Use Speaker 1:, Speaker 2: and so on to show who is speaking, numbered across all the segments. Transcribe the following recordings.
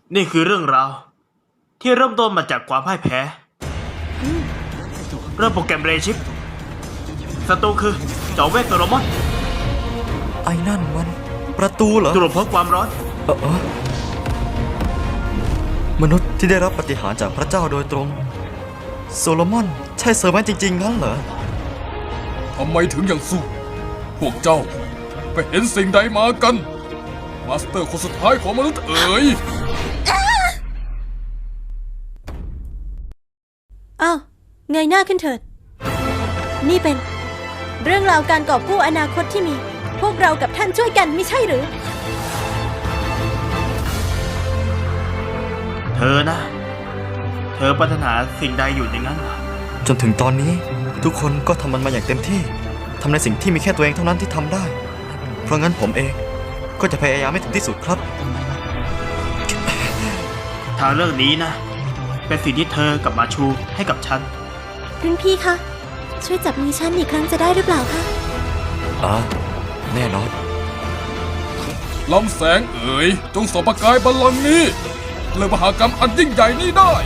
Speaker 1: นี่คือเรื่องราวที่เริ่มต้นมาจากความพ่ายแพ้เริ่มโปรแกรมเรชิปศัตรูคือเจ้าเวทโซโลมอน
Speaker 2: ไอ้นั่นมันประตูเหรอ
Speaker 1: ตรวจพบความร้อน
Speaker 2: มนุษย์ที่ได้รับปฏิหารย์จากพระเจ้าโดยตรงโซโลมอนใช่เซอร์แมนจริงๆงั้นเหรอ
Speaker 3: ทำไมถึงยังสู้พวกเจ้าไปเห็นสิ่งใดมากันมาสเตอร์คนสุดท้ายของมนุษย์เอ๋ย
Speaker 4: อ้าวเงยหน้าขึ้นเถิดนี่เป็นเรื่องราวการกอบกู้อนาคตที่มีพวกเรากับท่านช่วยกันไม่ใช่หรือ
Speaker 1: เธอนะเธอปรารถนาสิ่งใดอยู่อย่างนั้น
Speaker 2: จนถึงตอนนี้ทุกคนก็ทำมันมาอย่างเต็มที่ทำในสิ่งที่มีแค่ตัวเองเท่านั้นที่ทำได้เพราะงั้นผมเองก็จะพยายามให้ถึงที่สุดครับ
Speaker 1: ทางเรื่องนี้นะเป็นสิ่งที่เธอกับมาชูให้กับฉัน
Speaker 4: รุ่นพี่คะช่วยจับมือฉันอีกครั้งจะได้หรือเปล่าคะ
Speaker 2: แน่นอน
Speaker 3: ลำแสงเอ๋ยจงส่องประกายบัลลังก์นี้เลิกมหากรรมอันยิ่งใหญ่นี้ได้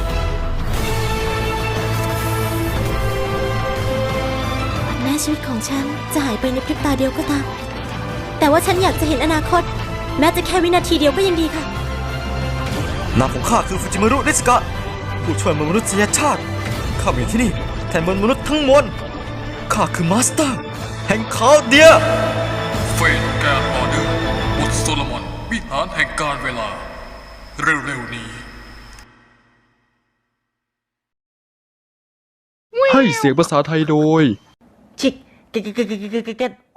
Speaker 4: แม้ชีวิตของฉันจะหายไปในพริบตาเดียวก็ตามแต่ว่าฉันอยากจะเห็นอนาคตแม้จะแค่วินาทีเดียวก็ยังดีค่ะ
Speaker 2: นามของข้าคือฟูจิมารุนิสกะผู้ช่วยมนุษยชาติข้ามาอยู่ที่นี่แทนมนุษย์ทั้งมวลข้าคือมาสเตอร์แห่งคาเดีย
Speaker 3: เฟนแกนออเดอร์บทโซโลมอนวิหารแห่งการเวลาเร็วๆนี้
Speaker 5: ให้เสียงภาษาไทยโดย
Speaker 1: ชิก